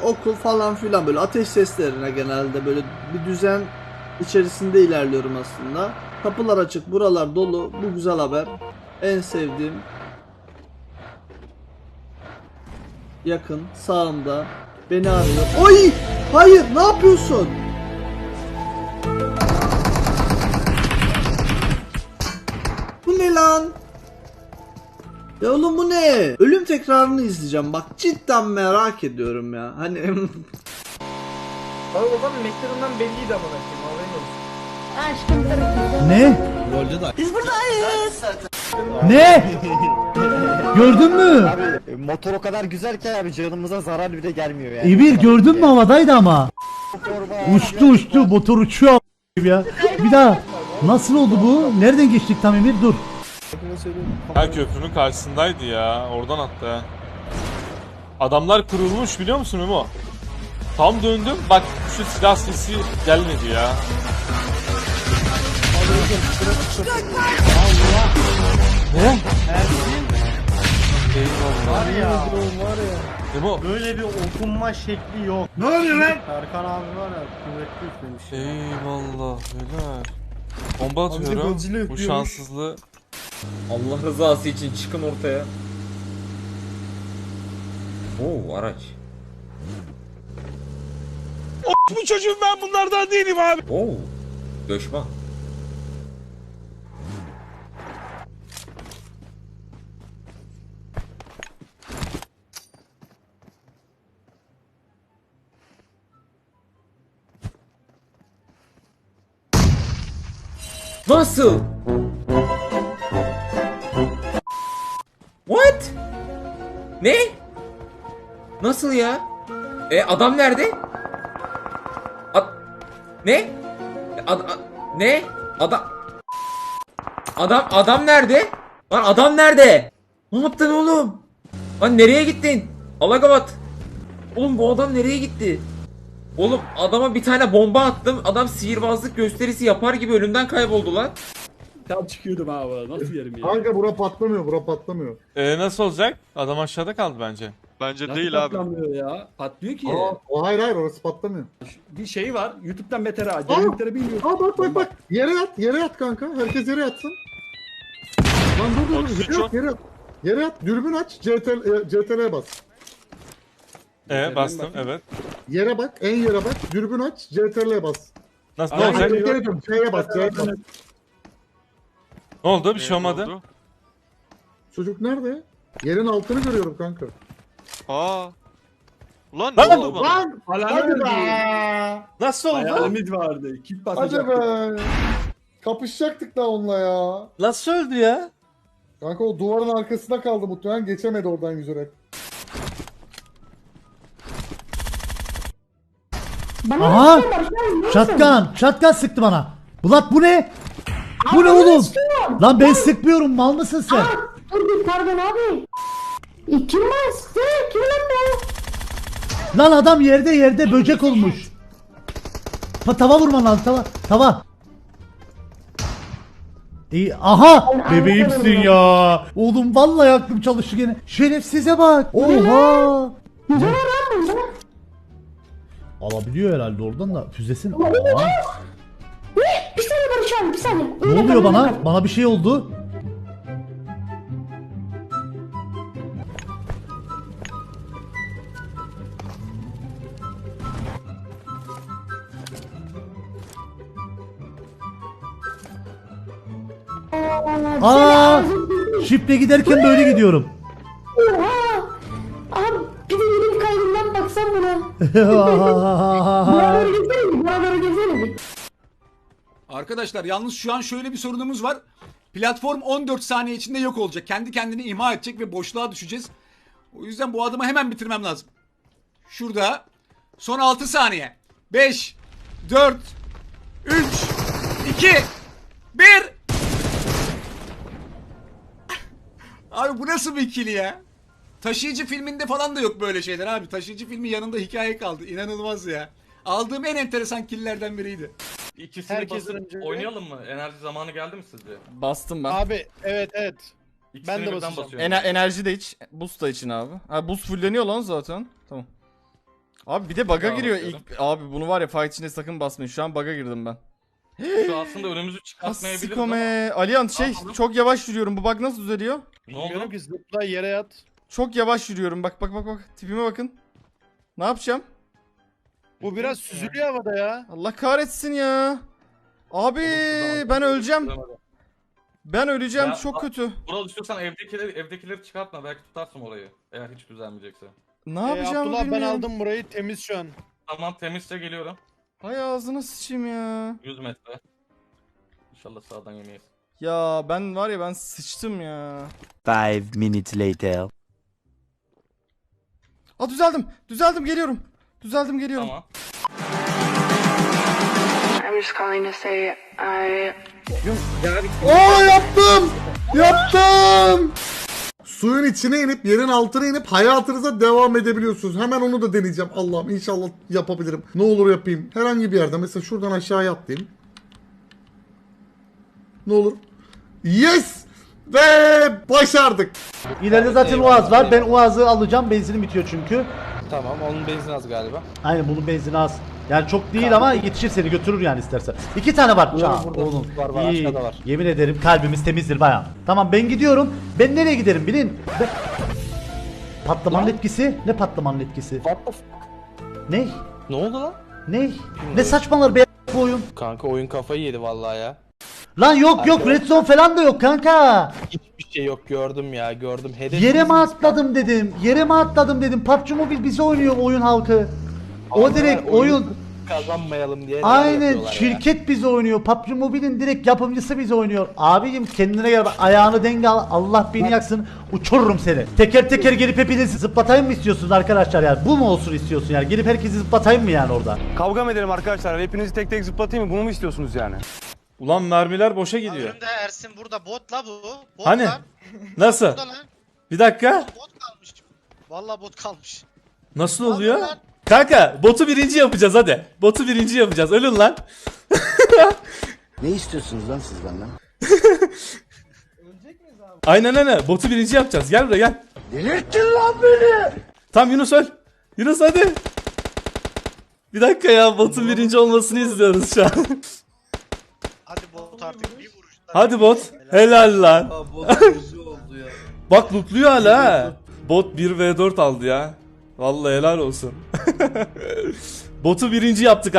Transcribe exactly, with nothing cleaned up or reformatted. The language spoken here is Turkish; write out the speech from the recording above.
okul falan filan, böyle ateş seslerine genelde böyle bir düzen içerisinde ilerliyorum aslında. Kapılar açık, buralar dolu. Bu güzel haber. En sevdiğim. Yakın, sağımda. Beni arıyor. Oy! Hayır, ne yapıyorsun? Bu ne lan? Ya oğlum bu ne? Ölüm tekrarını izleyeceğim. Bak cidden merak ediyorum ya. Hani Abi o zaman McLaren'dan belliydi ama belki. Haberin olsun. Aşkım tarafı. Ne? rolde de Biz buradayız. Ne? Gördün mü? Abi motor o kadar güzel ki abi canımıza zarar bile gelmiyor yani. Emir gördün mü, havadaydı ama. Forma- Uçtu uçtu, motor uçuyor a**ayım ya. Bir daha. Nasıl oldu bu? Nereden geçtik tam Emir? Dur. Her köprünün karşısındaydı ya. Oradan attı ha. Adamlar kurulmuş biliyor musun Memo? Tam döndüm. Bak şu silah sesi gelmedi ya. Ne? Eyvallah. Var ya. Var ya. Memo. Böyle bir okunma şekli yok. Ne oluyor lan? Erkan abi var ya kuvvetli üflemiş. Eyvallah. Helal. Bomba atıyorum. Bu şanssızlığı. Allah rızası için çıkın ortaya. Oo araç. Bu çocuğum, ben bunlardan değilim abi. Oo göçmen. Nasıl? What? Ne? Nasıl ya? E adam nerede? Ad ne? Ad a- ne? Adam Adam adam nerede? Lan adam nerede? Ne yaptın oğlum? Lan nereye gittin? Allah kapat. Oğlum bu adam nereye gitti? Oğlum adama bir tane bomba attım. Adam sihirbazlık gösterisi yapar gibi önümden kayboldu lan. Tam çıkıyordum abi. Nasıl yerim ya? Kanka bura patlamıyor, bura patlamıyor. E nasıl olacak? Adam aşağıda kaldı bence. Bence Nasıl değil abi. patlamıyor ya? Patlıyor ki. Aa, o hayır hayır orası patlamıyor. Bir şey var. YouTube'dan beter ha. Derinlikleri bilmiyorum. Aa bak bak bak. Yere yat, yere yat kanka. Herkes yere yatsın. Lan dur dur dur. Oksijen Yere yat, yere yat. Yere yat. Dürbün aç. C T L, e, C T L'ye bas. E bastım, evet. Yere bak. En yere bak. Dürbün aç. C T L'ye bas. Nasıl, ne Ay, olacak? ay, Geri dön. C'ye bas. C'ye bas. Ne oldu? Bir şey Ne olmadı. oldu? Çocuk nerede? Yerin altını görüyorum kanka. Aa. Ulan ne Lan! oldu bana? Lan! Hadi Alarm be! Nasıl oldu? Hayalimiz vardı. Kim Hadi basacaktı? be! Kapışacaktık da onunla ya. Nasıl öldü ya? Kanka o duvarın arkasında kaldı muhtemelen. Geçemedi oradan yüzerek. Bana Aha! bir şey var, sen ne yapıyorsun? Şatkan. Şatkan sıktı bana. Bulat bu ne? Bu ne Abi, oğlum? sıkıyorum. Lan ben sıkmıyorum. Mal mısın sen? Aa, dur bir pardon abi. E, kim bastı? Kim lan bu? Lan adam yerde yerde böcek olmuş. Ta tava vurman lazım, tava. Tava. İyi, aha bebeğimsin ya. Oğlum vallahi aklım çalıştı gene. Şerefsize bak. Oha. Ne var lan bunda? Alabiliyor herhalde oradan da füzesin. Aa. Ne? Bir saniye Barış abi bir saniye. Ne Öyle oluyor kal, öyle bana? kal. Bana bir şey oldu. Aa! Şifre giderken böyle gidiyorum. Oha! Abi bir de yeni bir kaydından baksam buna. Bana doğru gelsene bir. Bana doğru gelsene bir. Arkadaşlar yalnız şu an şöyle bir sorunumuz var. Platform on dört saniye içinde yok olacak. Kendi kendini imha edecek ve boşluğa düşeceğiz. O yüzden bu adımı hemen bitirmem lazım. Şurada. Son altı saniye. beş, dört, üç, iki, bir. Abi bu nasıl bir ikili ya? Taşıyıcı filminde falan da yok böyle şeyler abi. Taşıyıcı filmi yanında hikaye kaldı. İnanılmaz ya. Aldığım en enteresan killlerden biriydi. İkisini Herkes basıp önce- oynayalım mı? Enerji zamanı geldi mi sizce? Bastım ben. Abi evet evet. İkisini Ben de birden basacağım. basıyorum. Ener enerji de iç, boost da için abi. Ha boost fulleniyor lan zaten. Tamam. Abi bir de bug'a Tamam, giriyor bakıyorum. ilk. Abi bunu var ya fight içinde sakın basmayın. Şu an bug'a girdim ben. Şu aslında önümüzü çıkartmayabiliriz ama. Asikome. Alihan şey yapalım? çok yavaş yürüyorum. Bu bug nasıl düzeliyor? Ne oldu? ki zıpla yere yat. Çok yavaş yürüyorum. Bak bak bak bak. Tipime bakın. Ne yapacağım? Bu biraz süzülüyor havada ya. Allah kahretsin ya. Abi ben öleceğim. Ben öleceğim. Ya, Çok a- kötü. Vural istiyorsan evdekileri, evdekileri çıkartma. Belki tutarsın orayı. Eğer hiç düzelmeyecekse. Ne yapacağımı bilmiyorum. burayı temiz şu an. Tamam temizse geliyorum. Hay ağzına sıçayım ya. yüz metre. İnşallah sağdan yemeyiz. Ya ben var ya ben sıçtım ya. Five minutes later. Aa düzeldim. Düzeldim geliyorum. Düzeldim geliyorum. Tamam. I'm just calling to say I Oo yaptım. Yaptım. Suyun içine inip yerin altına inip hayatınıza devam edebiliyorsunuz. Hemen onu da deneyeceğim. Allah'ım inşallah yapabilirim. Ne olur yapayım. Herhangi bir yerde mesela şuradan aşağıya atlayayım. Ne olur. Yes! Ve başardık. İleride zaten Uaz var. Ben Uaz'ı alacağım. Benzinim bitiyor çünkü. Tamam onun benzin az galiba. Aynen bunun benzini az. Yani çok değil ama yetişir seni götürür yani istersen. İki tane var. Aa, burada oğlum. var, var, İyi. aşağıda var. Yemin ederim kalbimiz temizdir bayağı. Tamam ben gidiyorum. Ben nereye giderim bilin. Ben... Patlamanın etkisi? Ne patlamanın etkisi? What the f- Ne? Ne oldu lan? Ne? Ne saçmalar be bu oyun? Kanka oyun kafayı yedi vallahi ya. Lan yok yok red zone falan da yok kanka. Hiçbir şey yok gördüm ya gördüm. Hedef Yere mi biziz. atladım dedim. Yere mi atladım dedim. P U B G Mobile bizi oynuyor oyun halkı. O Adamlar direkt oyunu oyun. kazanmayalım diye. neler Aynen yapıyorlar ya. şirket bizi oynuyor. P U B G Mobile'in direkt yapımcısı bizi oynuyor. Abicim kendine gel bak, ayağını denge al. Allah beni yaksın. Uçururum seni. Teker teker gelip hepinizi zıplatayım mı istiyorsunuz arkadaşlar yani? Bu mu olsun istiyorsun yani? Gelip herkesi zıplatayım mı yani orada? Kavga mı edelim arkadaşlar? Hepinizi tek tek zıplatayım mı? Bunu mu istiyorsunuz yani? Ulan mermiler boşa gidiyor. Önümde Ersin burada bot la bu. Bot Hani? lan. Nasıl? Burada lan. Bir dakika. Bot kalmış. Vallahi bot kalmış. Nasıl oluyor? Kanka botu birinci yapacağız hadi. Botu birinci yapacağız. Ölün lan. Ne istiyorsunuz lan siz benden? Aynen aynen. Botu birinci yapacağız. Gel buraya gel. Delirttin lan beni. Tam Yunus öl. Yunus hadi. Bir dakika ya botun birinci olmasını izliyoruz şu an. Hadi bot artık bir vuruşta. Hadi bot. Helal lan. Bak lootluyor hala ha. Bot bir ve dört aldı ya. Vallahi helal olsun. Botu birinci yaptık.